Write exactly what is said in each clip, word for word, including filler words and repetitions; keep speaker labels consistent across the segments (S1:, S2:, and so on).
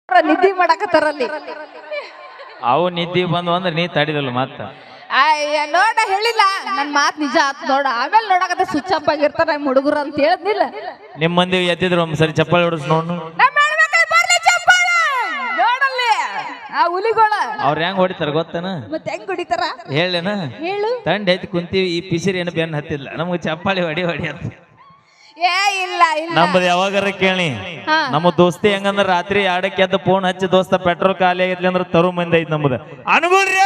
S1: ನಿದ್ದಿ ಮಾಡಕತ್ತಾರಲ್ಲಿ
S2: ಅವು ನಿದ್ದಿ ಬಂದು ಅಂದ್ರೆ ನೀ ತಡಿದಲ್ಲ ಮತ್ತ
S1: ಅಯ್ಯ ನೋಡ ಹೇಳಿಲ್ಲ ನನ್ ಮಾತ್ ನಿಜ ಆತ್ ನೋಡ ಆಮೇಲೆ ನೋಡಕತ್ತ ಸ್ವಿಚ್ ಅಪ್ ಆಗಿರ್ತಾರ ನಮ್ಮ ಹುಡುಗರು ಅಂತ ಹೇಳಿದ್ನಿಲ್ಲ
S2: ನಿಮ್ ಮಂದಿ ಎದ್ದಿದ್ರು ಒಂದ್ಸರಿ ಚಪ್ಪಾಳಿ ಹೊಡಿಸ್ ನೋಡು
S1: ನೋಡಲ್ಲಿ ಆ ಹುಲಿಗೋಳ
S2: ಅವ್ರ ಹೆಂಗ್ ಹೊಡಿತಾರ ಗೊತ್ತನ
S1: ಮತ್ತೆ ಹೆಂಗ್ ಹೊಡಿತಾರ
S2: ಹೇಳೇನ
S1: ಹೇಳು
S2: ತಂಡ ಐತಿ ಕುಂತೀವಿ ಈ ಪಿಸಿರಿ ಏನು ಬೆನ್ ಹತ್ತಿಲ್ಲ ನಮ್ಗೆ ಚಪ್ಪಾಳಿ ಹೊಡಿ ಹೊಡಿ ಅಂತ
S1: ಏ ಇಲ್ಲ ಇಲ್ಲ
S2: ನಮ್ಮದು ಯಾವಾಗಾರ ಕೇಳಿ ನಮ್ಮ ದೋಸ್ತಿ ಹೆಂಗಂದ್ರ ರಾತ್ರಿ ಆಡಕ್ಕೆ ಎದ್ದು ಫೋನ್ ಹಚ್ಚಿ ದೋಸ್ತ ಪೆಟ್ರೋಲ್ ಖಾಲಿ ಆಗೈತ್ಲಿ ಅಂದ್ರ ತರು ಮಂದಿ ಐತಿ ನಮ್ಮದ ಅನುಗುಣ್ರಿ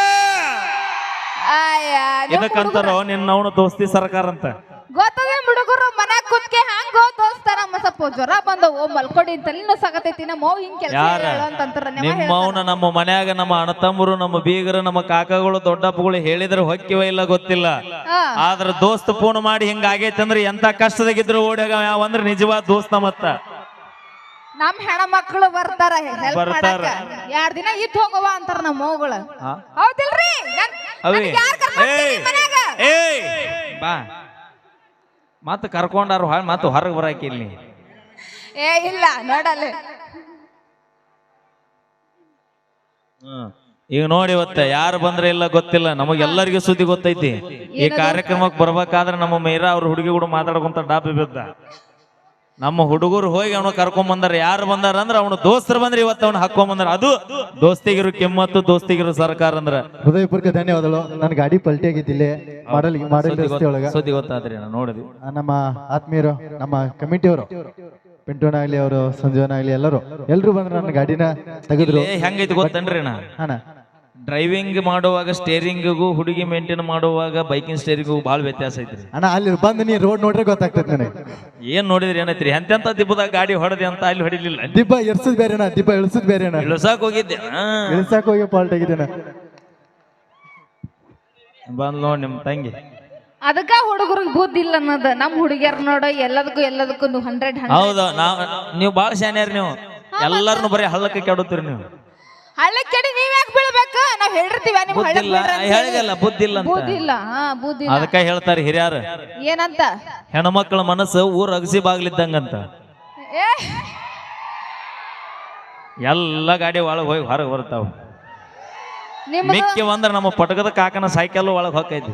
S2: ಇದಕ್ಕಂತಾರೋ ನಿನ್ನ ಅವನು ದೋಸ್ತಿ ಸರ್ಕಾರ ಅಂತ
S1: ಗೊತ್ತದ ಹುಡುಗರು ಮನ್ಯಾಗ ಕುತ್ಕೆ ಹಂಗ ದೋಸ್ತಾರ ಸ್ವಲ್ಪ ಜ್ವರ ಬಂದವು ಮಲ್ಕೊಡಿ ತಲೆನೋ ಸಾಕತೈತಿ ನಮ್ಮ ಮೌ ಹಿಂಗ್ ಕೆಲಸ ಅಂತಂತಾರ
S2: ನಿಮ್ಮ ಮೌನ ನಮ್ಮ ಮನ್ಯಾಗ ನಮ್ಮ ಅಣ್ಣತಮ್ಮರು ನಮ್ಮ ಬೀಗರು ನಮ್ಮ ಕಾಕಗಳು ದೊಡ್ಡಪ್ಪಗಳು ಹೇಳಿದ್ರೆ ಹೊಕ್ಕಿವ ಇಲ್ಲ ಗೊತ್ತಿಲ್ಲ ಆದ್ರ ದೋಸ್ತ್ ಫೋನ್ ಮಾಡಿ ಹಿಂಗ ಆಗೈತಿ ಅಂದ್ರೆ ಎಂತ ಕಷ್ಟದಾಗಿದ್ರು ಓಡ್ಯಾಗ ಯಾವ ಅಂದ್ರೆ ನಿಜವಾದ ದೋಸ್ತ ಮತ್ತ
S1: ನಮ್ ಹೆಣ ಮಕ್ಕಳು ಬರ್ತಾರ ಬರ್ತಾರ ಎರಡ್ ದಿನ ಇದ್ ಹೋಗವ ಅಂತಾರ ನಮ್ಮ ಮೌಗಳು ಹೌದಿಲ್ರಿ
S2: ಬಾ ಮತ್ತ ಕರ್ಕೊಂಡಾರು ಮತ್ತ ಹೊರಗೆ ಬರಾಕಿಲ್ಲಿ
S1: ಏ ಇಲ್ಲ ನೋಡಲ್ಲ
S2: ಹ್ಮ್ ಈಗ ನೋಡಿ ಇವತ್ತ ಯಾರು ಬಂದ್ರೆ ಇಲ್ಲ ಗೊತ್ತಿಲ್ಲ ನಮಗೆಲ್ಲರಿಗೂ ಸುದ್ದಿ ಗೊತ್ತೈತಿ ಈ ಕಾರ್ಯಕ್ರಮಕ್ಕೆ ಬರ್ಬೇಕಾದ್ರೆ ನಮ್ಮ ಮೈರಾ ಅವ್ರ ಹುಡುಗಿ ಕೂಡ ಮಾತಾಡ್ಕೊಂತ ಡಾಬಿ ಬಿದ್ದ ನಮ್ಮ ಹುಡುಗರು ಹೋಗಿ ಅವನು ಕರ್ಕೊಂಡ್ ಬಂದಾರ ಯಾರು ಬಂದಾರ ಅಂದ್ರ ಅವನು ದೋಸ್ತರು ಬಂದ್ರೆ ಇವತ್ತು ಅವನು ಹಾಕೊಂಡ್ ಬಂದಾರ ಅದು ದೋಸ್ತಿಗಿರು ಕೆಮ್ಮತ್ತು ದೋಸ್ತಿಗಿರು ಸರ್ಕಾರ ಅಂದ್ರ
S3: ಹೃದಯಪೂರ್ವಕ ಧನ್ಯವಾದಗಳು. ನನ್ನ ಗಾಡಿ ಪಲ್ಟಿ ಆಗಿದ್ದಿಲ್ಲ ಮಾಡಲ್ ಮಾಡಲ್ ರಸ್ತೆ ಒಳಗ
S2: ಸುದ್ದಿ ಗೊತ್ತಾದ್ರಿ ನೋಡಿದ್ವಿ
S3: ನಮ್ಮ ಆತ್ಮೀಯರು ನಮ್ಮ ಕಮಿಟಿಯವರು ಪಿಂಟೋನಾಗ್ಲಿ ಅವರು ಸಂಜೀವನಾಗ್ಲಿ ಎಲ್ಲರೂ ಎಲ್ರು ಬಂದ್ರೆ ನನ್ನ ಗಾಡಿನ ತೆಗೆದ್ರು.
S2: ಹೆಂಗೈತಿ ಗೊತ್ತನ್ರಿ ನಾ
S3: ಹಾನ
S2: ಡ್ರೈವಿಂಗ್ ಮಾಡುವಾಗ ಸ್ಟೇರಿಂಗಿಗೂ ಹುಡುಗಿ ಮೇಂಟೈನ್ ಮಾಡುವಾಗ ಬೈಕಿಂಗ್ ಸ್ಟೇರಿಂಗಿಗೂ ಬಹಳ ವ್ಯತ್ಯಾಸ ಐತ್ರಿ
S3: ಅಣ್ಣ. ಅಲ್ಲಿ ಬಂದು ನೀ ರೋಡ್ ನೋಡ್ರೆ ಗೊತ್ತಾಗ್ತದೆ ನನಗೆ
S2: ಏನ್ ನೋಡಿದ್ರಿ ಏನೈತ್ರಿ ಎಂತೆಂತ ದಿಬ್ಬದಾಗ ಗಾಡಿ ಹೊಡೆದೆ ಅಂತ ಅಲ್ಲಿ ಹೊಡಿಲಿಲ್ಲ.
S3: ದಿಬ್ಬ ಎರ್ಸದ್ ಬೇರೆನಾ ದಿಬ್ಬ ಇಳಿಸದ್ ಬೇರೆನಾ
S2: ಇಳಿಸಾಕ್ ಹೋಗಿದ್ದೆ
S3: ಇಳಿಸಾಕ್ ಹೋಗಿ ಪಾಲ್ಟ್ ಆಗಿದ್ದೇನ
S2: ಬಂದ್ ನೋಡ್ ನಿಮ್ ತಂಗಿ
S1: ಅದಕ್ಕ ಹುಡುಗರಿಗೆ ಬುದ್ಧಿ ಇಲ್ಲ ಅನ್ನೋದು ನಮ್ ಹುಡುಗಿಯರ್ ನೋಡ ಎಲ್ಲದಕ್ಕೂ ಎಲ್ಲದಕ್ಕೂ ಹಂಡ್ರೆಡ್
S2: ಹೌದು ನಾವ್ ನೀವು ಬಾಳ ಶಾನ್ಯಾರ ನೀವು ಎಲ್ಲಾರನು ಬರೀ ಹಳ್ಳಕ್ಕೆ ಕೆಡುತ್ತೀರಿ ನೀವು
S1: ಹಳ್ಳಕ್ ಕೆಡಿ ನೀವ್ ಯಾಕೆ ಬೀಳ್ಬೇಕು ನಾವ್ ಹೇಳಿರ್ತೀವಿ ನಿಮ್
S2: ಬುದ್ಧಿಲ್ಲ ಹೇಳಿದಲ್ಲ ಬುದ್ಧಿಲ್ಲ ಅಂತ
S1: ಬುದ್ಧಿ ಇಲ್ಲ ಹಾ ಬುದ್ಧಿ
S2: ಅದಕ್ಕ ಹೇಳ್ತಾರೆ ಹಿರಿಯಾರ
S1: ಏನಂತ
S2: ಹೆಣ್ಮಕ್ಳ ಮನಸ್ಸು ಊರ್ ಅಗಸಿ ಬಾಗ್ಲಿದ್ದಂಗಂತ
S1: ಏ
S2: ಎಲ್ಲ ಗಾಡಿ ಒಳಗ್ ಹೋಗಿ ಹೊರಗೆ ಬರ್ತಾವ ಮಿಕ್ಕಿ ಬಂದ್ರ ನಮ್ಮ ಪಟಕದ ಕಾಕನ ಸೈಕಲ್ ಒಳಗ್ ಹೋಗೈತಿ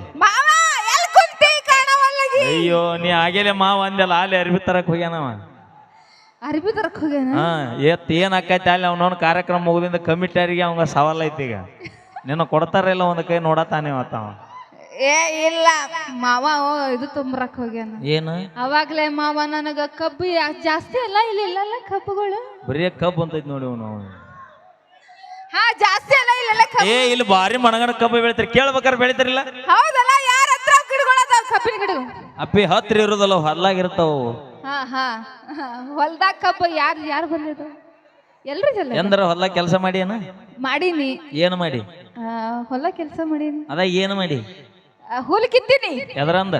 S2: ಅಯ್ಯೋ ನೀ ಆಗೇಲೆ ಮಾವ ಅಂದೆಲ್ಲ ಅಲ್ಲಿ ಅರ್ಬಿ ತರಕ್ ಹೋಗ್ಯಾನವ
S1: ಅರ್ಬಿ ತರಕ್ ಹೋಗ್ಯಾನ
S2: ಹಾ ಎತ್ ಏನ್ ಆಕೈತಿ ಅಲ್ಲಿ ಅವ್ನವ್ನ ಕಾರ್ಯಕ್ರಮ ಮುಗಿದಿಂದ ಕಮಿಟಿಯರಿಗೆ ಅವಂಗ ಸವಾಲ್ ಐತಿ ಈಗ ನಿನ್ನ ಕೊಡ್ತಾರ ಇಲ್ಲ ಒಂದ್ ಕೈ ನೋಡತಾನೆ ಅವತ್ತವ
S1: ಏ ಇಲ್ಲ ಮಾವ ಇದು ತುಂಬರಕ್ ಹೋಗ್ಯಾನ
S2: ಏನು
S1: ಅವಾಗ್ಲೇ ಮಾವ ನನಗ ಕಬ್ಬು ಜಾಸ್ತಿ ಅಲ್ಲ ಇಲ್ಲಿ ಇಲ್ಲಲ್ಲ ಕಬ್ಬುಗಳು
S2: ಬರೀ ಕಬ್ಬು ಅಂತೈತಿ ನೋಡಿ ಅವನು
S1: ಹಾ ಜಾಸ್ತಿ ಅಲ್ಲ ಇಲ್ಲ
S2: ಏ ಇಲ್ಲಿ ಬಾರಿ ಮಣಗಣ ಕಬ್ಬು ಬೆಳಿತಾರ ಕೇಳ್ಬೇಕಾರೆ ಬೆಳಿತಾರಿಲ್ಲ
S1: ಹೌದಲ್ಲ ಯಾರ ಹತ್ರ ಗಿಡಗಳದಾವ ಕಬ್ಬಿನ ಗಿಡ
S2: ಅಪ್ಪಿ ಹತ್ರ ಇರೋದಲ್ಲ ಹೊಲ್ಲಾಗಿರ್ತಾವ
S1: ಹಾ ಹಾ ಹೊಲ್ದಾಗ ಕಬ್ಬು ಯಾರು ಯಾರು ಬಂದಿದ್ದು ಎಲ್ರಿ ಜಲ್ಲ
S2: ಎಂದ್ರ ಹೊಲ ಕೆಲಸ ಮಾಡಿ ಏನ
S1: ಮಾಡೀನಿ
S2: ಏನು ಮಾಡಿ
S1: ಹೊಲ ಕೆಲಸ ಮಾಡೀನಿ
S2: ಅದ ಏನು ಮಾಡಿ
S1: ಹುಲ್ ಕಿತ್ತೀನಿ
S2: ಎದರಂದ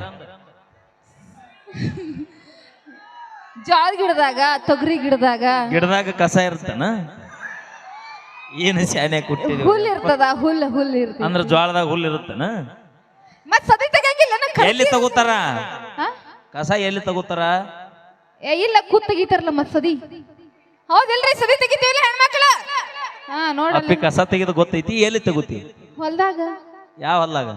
S1: ಜೋಳ ಗಿಡದಾಗ ತೊಗರಿ ಗಿಡದಾಗ
S2: ಗಿಡದಾಗ ಕಸ ಇರ್ತಾನ ಏನು ಶಾನೆ ಕುಟ್ಟಿದ್ವಿ
S1: ಹುಲ್ ಇರ್ತದ ಹುಲ್ ಹುಲ್ ಇರ್ತದ
S2: ಅಂದ್ರ ಜೋಳದಾಗ ಹುಲ್ ಇರುತ್ತನ
S1: ಮತ್ ಸದಿ ತೆಗಿಯಂಗಿಲ್ಲ
S2: ಎಲ್ಲಿ ತಗೋತಾರ ಕಸ ಎಲ್ಲಿ ತಗೋತಾರ
S1: ಏ ಇಲ್ಲ ಕೂತ್ ತೆಗಿತಾರಲ್ಲ ಮತ್ ಸದಿ ಹೌದಿಲ್ರಿ ಸದಿ ತೆಗಿತೀವಿಲ್ಲ ಹೆಣ್ಮಕ್ಳು ಹಾ ನೋಡ
S2: ಅಪ್ಪಿ ಕಸ ತೆಗೆದು ಗೊತ್ತೈತಿ ಎಲ್ಲಿ ತಗೋತಿ
S1: ಹೊಲ್ದಾಗ
S2: ಯಾವ ಹೊಲ್ದಾಗ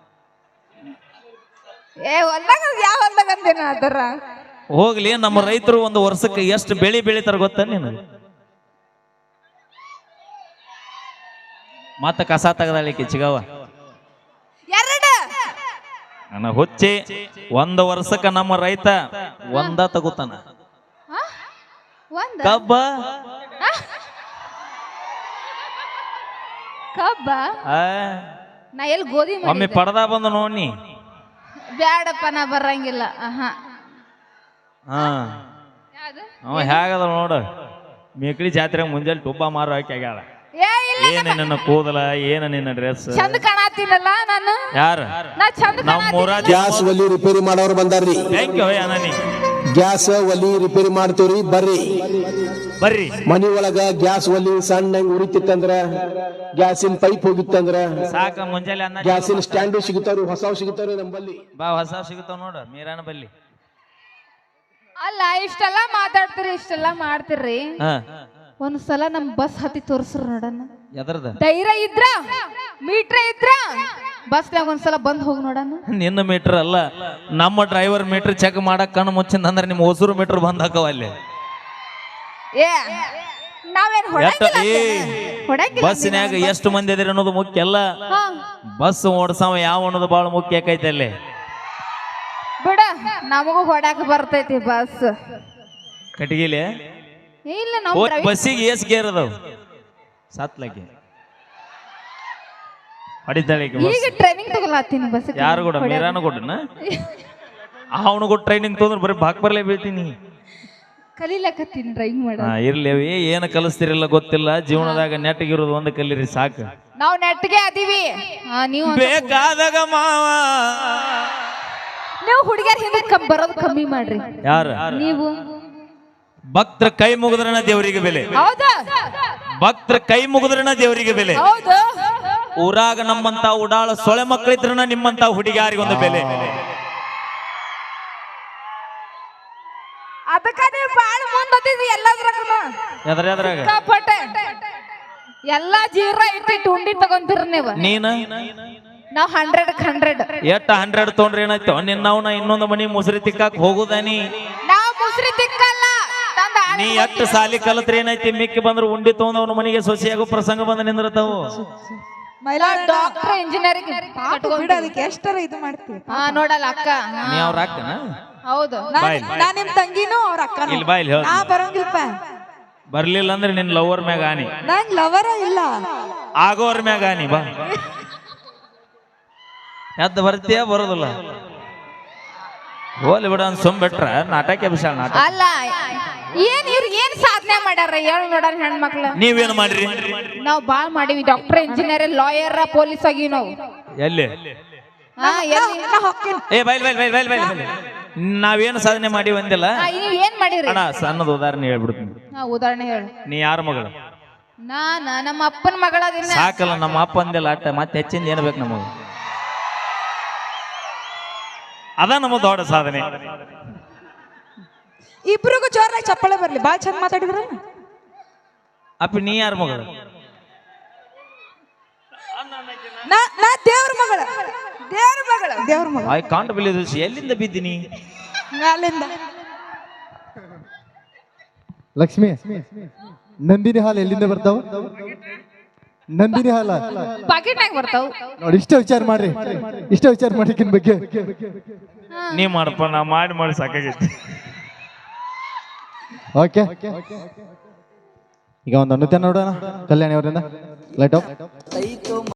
S1: ಏ ಹೊಲ್ದಾಗ ಯಾವ ಹೊಲ್ದಾಗ ಅಂತೇನ ಅದರ
S2: ಹೋಗ್ಲಿ ನಮ್ಮ ರೈತರು ಒಂದು ವರ್ಷಕ್ಕೆ ಎಷ್ಟು ಬೆಳಿ ಬೆಳಿತಾರ ಗೊತ್ತ ನೀನು ಮತ್ತ ಕಸ ತೆಗದಾಳಿಕೆ ಚಿಗವ
S1: ಎರಡು
S2: ನನ್ನ ಹುಚ್ಚಿ ಒಂದು ವರ್ಷಕ್ಕ ನಮ್ಮ ರೈತ ಒಂದ ತಗೋತಾನ ಕಬ್ಬ
S1: ಕಬ್ಬ ನಾ ಎಲ್ಲಿ ಗೋಧಿ
S2: ಒಮ್ಮೆ ಪಡದ ಬಂದು ನೋಡಿ
S1: ಬ್ಯಾಡಪ್ಪ ನಾ ಬರಂಗಿಲ್ಲ ಹಾ
S2: ಹಾ ಅವ ಹೇಗದ ನೋಡ ಮೇಕಳಿ ಜಾತ್ರೆ ಮುಂಜಾನೆ ಟುಬ್ಬ ಮಾರು ಹಾಕಿ ಆಗ್ಯಾಳ ಏನ ನಿನ್ನ ಕೂದಲ ಏನ ನಿನ್ನ ಡ್ರೆಸ್
S1: ಚಂದ ಕಾಣತೀನಲ್ಲ ನಾನು
S2: ಯಾರ
S1: ನಾ ಚಂದ
S2: ನಮ್ಮೂರ
S4: ಗ್ಯಾಸ್ ಒಲಿ ರಿಪೇರಿ ಮಾಡೋರು ಬಂದಾರ್ರಿ
S2: ಥ್ಯಾಂಕ್ ಯು ಅನನಿ
S4: ಗ್ಯಾಸ್ ಒಲಿ ರಿಪೇರಿ ಮಾಡ್ತೀವ್ರಿ ಬರ್ರಿ
S2: ಬರ್ರಿ
S4: ಮನಿ ಒಳಗ ಗ್ಯಾಸ್ ಒಲಿ ಸಣ್ಣ ಉರಿತಿತ್ತಂದ್ರ ಗ್ಯಾಸಿನ ಪೈಪ್ ಹೋಗಿತ್ತಂದ್ರ
S2: ಸಾಕ ಮುಂಜಾನೆ ಅನ್ನ
S4: ಗ್ಯಾಸಿನ ಸ್ಟ್ಯಾಂಡು ಸಿಗುತ್ತಾರು ಹೊಸವು ಸಿಗುತ್ತಾರು ನಮ್ಮಲ್ಲಿ
S2: ಬಾ ಹೊಸ ಸಿಗುತ್ತಾವ ನೋಡ ಮೀರಾನ ಬಲ್ಲಿ
S1: ಅಲ್ಲ ಇಷ್ಟೆಲ್ಲ ಮಾತಾಡ್ತೀರಿ ಇಷ್ಟೆಲ್ಲ ಮಾಡ್ತೀರಿ ಒಂದ್ಸಲ ನಮ್ ಬಸ್ ಹತ್ತಿ ತೋರ್ಸ್ರು ನೋಡಣ.
S2: ಎದರ್ದ
S1: ಧೈರ್ಯ ಇದ್ರ ಮೀಟ್ರ್ ಇದ್ರ ಬಸ್ನಾಗ ಒಂದ್ಸಲ ಬಂದ್ ಹೋಗಿ ನೋಡಣ.
S2: ನಿನ್ನ ಮೀಟರ್ ಅಲ್ಲ, ನಮ್ಮ ಡ್ರೈವರ್ ಮೀಟರ್ ಚೆಕ್ ಮಾಡಕ್ ಕಣ್ಣು ಮುಚ್ಚಿಂದ ಅಂದ್ರೆ ನಿಮ್ಮ ಹೊಸೂರು ಮೀಟರ್ ಬಂದ್ ಹಾಕವ ಅಲ್ಲಿ.
S1: ಏ ನಾವೇನ್ ಹೊಡಂಗಿಲ್ಲ ಹೊಡಂಗಿಲ್ಲ.
S2: ಬಸ್ನ್ಯಾಗ ಎಷ್ಟು ಮಂದಿ ಅದಿರಿ ಅನ್ನೋದು ಮುಖ್ಯ ಅಲ್ಲ,
S1: ಹಾ
S2: ಬಸ್ ಓಡ್ಸವ ಯಾವ ಅನ್ನೋದು ಬಹಳ ಮುಖ್ಯ ಆಕೈತೆ ಅಲ್ಲಿ.
S1: ಬಿಡ ನಮಗೂ ಹೊಡಾಕ ಬರ್ತೈತಿ ಬಸ್.
S2: ಕಟಗಿಲೆ
S1: ಇಲ್ಲ ನಾವು
S2: ಬಸ್ಸಿಗೆ ಏಸ್ ಗೇರ್ ಅದಾವ ಸಾತ್ಲಕ್ಕೆ ಹೊಡಿತಾಳೆ
S1: ಈಗ ಟ್ರೈನಿಂಗ್ ತಗೊಳತ್ತೀನಿ ಬಸ್.
S2: ಯಾರು ಕೂಡ ಮೀರಾನು ಕೊಟ್ಟನ ಅವನು ಕೂಡ ಟ್ರೈನಿಂಗ್ ತೊಂದ್ರೆ ಬರೀ ಬಾಕ್ ಬರ್ಲೇ ಬೀಳ್ತೀನಿ.
S1: ಕಲೀಲಕತ್ತೀನಿ ಡ್ರೈವಿಂಗ್ ಮಾಡ.
S2: ಹಾ ಇರ್ಲಿ ಅವಿ ಏನು ಕಲಿಸ್ತಿರಲ್ಲ ಗೊತ್ತಿಲ್ಲ, ಜೀವನದಾಗ ನೆಟ್ಟಗಿರೋದು ಒಂದು ಕಲೀರಿ ಸಾಕು.
S1: ನಾವು ನೆಟ್ಗೆ ಅದೀವಿ. ನೀವು
S2: ಬೇಕಾದಾಗ ಮಾವ
S1: ನೀವು ಹುಡುಗಿಯರ್ ಹಿಂದೆ ಕಮ್ ಬರೋದು ಕಮ್ಮಿ ಮಾಡ್ರಿ.
S2: ಯಾರ
S1: ನೀವು
S2: ಭಕ್ತರ ಕೈ ಮುಗಿದ್ರನ ದೇವರಿಗೆ ಬೆಲೆ,
S1: ಹೌದಾ?
S2: ಭಕ್ತರ ಕೈ ಮುಗಿದ್ರನ ದೇವರಿಗೆ ಬೆಲೆ.
S1: ಹೌದು.
S2: ಊರಾಗ ನಮ್ಮಂತ ಉಡಾಳ ಸೊಳೆ ಮಕ್ಕಳಿದ್ರನ ನಿಮ್ಮಂತ ಹುಡುಗಿಯಾರಿಗೊಂದು ಬೆಲೆ.
S1: ಅದಕ್ಕ ನೀವು ಬಾಳ ಮುಂದಿದ್ರಿ ಎಲ್ಲದ್ರಾಗ.
S2: ಎದ್ರ ಎದ್ರಾಗ
S1: ಕಾಪಟ್ಟೆ ಎಲ್ಲಾ ಜೀರ ಇಟ್ಟಿಟ್ಟು ಉಂಡಿ ತಗೊಂತೀರ ನೀವು.
S2: ನೀನ
S1: ನಾವ್ ಹಂಡ್ರೆಡ್ ಹಂಡ್ರೆಡ್
S2: ಎಷ್ಟ ಹಂಡ್ರೆಡ್ ತೊಗೊಂಡ್ರೆ ಏನಾಯ್ತು ನಿನ್ನವನ ಇನ್ನೊಂದು ಮನಿ ಮುಸುರಿ ತಿಕ್ಕಾಕ್ ಹೋಗುದಾನಿ.
S1: ನಾವ್ ಮುಸ್ರಿ ತಿಕ್ಕಲ್ಲ.
S2: ನೀ ಎಷ್ಟು ಸಾಲಿ ಕಲತ್ರಿ ಏನೈತಿ, ಮಿಕ್ಕಿ ಬಂದ್ರು ಉಂಡಿ ತಗೊಂಡವನ ಮನೆಗೆ ಸೊಸೆಯಾಗೋ ಪ್ರಸಂಗ ಬಂದ ನಿಂದಿರ್ತಾವು.
S1: ಡಾಕ್ಟರ್ ಇಂಜಿನಿಯರಿಂಗ್
S5: ಬಿಡ ಅದಕ್ಕೆ ಎಷ್ಟರ ಇದು ಮಾಡ್ತೀವಿ.
S1: ಹಾ ನೋಡಲ್ಲ ಅಕ್ಕ. ಹಾ.
S2: ನೀ ಅವ್ರ ಅಕ್ಕನ
S1: ಹೌದು.
S2: ಬಾಯ್.
S5: ನಾ ನಿಮ್ ತಂಗಿನೂ ಅವ್ರ ಅಕ್ಕನೂ.
S2: ಇಲ್ಲಿ ಬಾಯ್ಲಿ ಹೇಳ
S5: ನಾ ಬರಂಗಿಲ್ಪ.
S2: ಬರ್ಲಿಲ್ಲ ಅಂದ್ರೆ ನಿನ್ ಲವರ್ ಮ್ಯಾಗ ಆನಿ,
S5: ನಂಗ್ ಲವರ ಇಲ್ಲ
S2: ಆಗೋರ್ ಮ್ಯಾಗ ಆನಿ. ಬಾ ಎದ್ದು ಬರ್ತೀಯ ಬರೋದಿಲ್ಲ ಹೋಲಿ ಬಿಡ ಅಂತ ಸುಮ್ ಬಿಟ್ರ ನಾಟಕ ವಿಶಾಲ ನಾಟಕ.
S1: ಅಲ್ಲ ಏನ್ ಇವ್ರು ಏನ್ ಸಾಧನೆ ಮಾಡ್ಯಾರ ಹೇಳ ನೋಡಾರ ಹೆಣ್ಮಕ್ಳು.
S2: ನೀವೇನ್ ಮಾಡ್ರಿ?
S1: ನಾವ್ ಬಾಳ್ ಮಾಡಿವಿ. ಡಾಕ್ಟರ್ ಇಂಜಿನಿಯರ್ ಲಾಯರ್ ಪೊಲೀಸ್ ಆಗಿವಿ ನಾವು.
S2: ಎಲ್ಲಿ
S1: ಹಾ ಎಲ್ಲಿ?
S2: ಏ ಬೈಲ್ ಬೈಲ್ ಬೈಲ್ ಬೈಲ್ ಬೈಲ್ ನಾವೇನು ಸಾಧನೆ ಮಾಡಿ ಒಂದಿಲ್ಲ.
S1: ಹಾ, ನೀವ್ ಏನ್ ಮಾಡಿರಿ?
S2: ಅಣ್ಣ ಸಣ್ಣದ ಉದಾಹರಣೆ ಹೇಳ್ಬಿಡ್ತೀನಿ.
S1: ಹಾ ಉದಾಹರಣೆ ಹೇಳು.
S2: ನೀ ಯಾರ ಮಗಳು?
S1: ನಾನ ನಮ್ಮ ಅಪ್ಪನ ಮಗಳದಿನ.
S2: ಸಾಕಲ್ಲ ನಮ್ಮ ಅಪ್ಪ ಅಂದಿಲ್ಲ ಅಟ್ಟ, ಮತ್ತೆ ಹೆಚ್ಚಿಂದ ಏನ್ ಬೇಕು ನಮಗ? ಅದ ನಮ್ಮ ದೊಡ್ಡ ಸಾಧನೆ.
S5: ಇಬ್ರಿಗೂ ಜೋರಾಗಿ ಚಪ್ಪಳೆ ಬರ್ಲಿ. ಬಾಳ್ ಚಂದ ಮಾತಾಡಿದ್ರ.
S2: ಅಪ್ಪಿ ನೀ ಯಾರ ಮಗಳು?
S5: ನಾ ನಾ ದೇವ್ರ ಮಗಳ. ದೇವ್ರ ಮಗಳ. ದೇವ್ರ ಮಗಳ.
S2: I can't believe this. ಎಲ್ಲಿಂದ ಬಿದ್ದೀನಿ?
S5: ಅಲ್ಲಿಂದ.
S3: ಲಕ್ಷ್ಮಿ, ನಂದಿನಿ ಹಾಲು ಎಲ್ಲಿಂದ ಬರ್ತಾವ? ನಂದಿನಿ ಹಾಲ
S1: ಪಾಕೆಟ್ನಾಗ ಬರ್ತಾವ
S3: ನೋಡಿ. ಇಷ್ಟ ವಿಚಾರ ಮಾಡ್ರಿ, ಇಷ್ಟ ವಿಚಾರ ಮಾಡಿಕಿನ ಬಗ್ಗೆ
S2: ನೀ ಮಾಡಪ್ಪ, ನಾ ಮಾಡಿ ಮಾಡಿ ಸಾಕಾಗೈತಿ.
S3: ಓಕೆ, ಈಗ ಒಂದು ಅನುತ್ಯ ನೋಡೋಣ ಕಲ್ಯಾಣಿ ಅವರಿಂದ. Light of.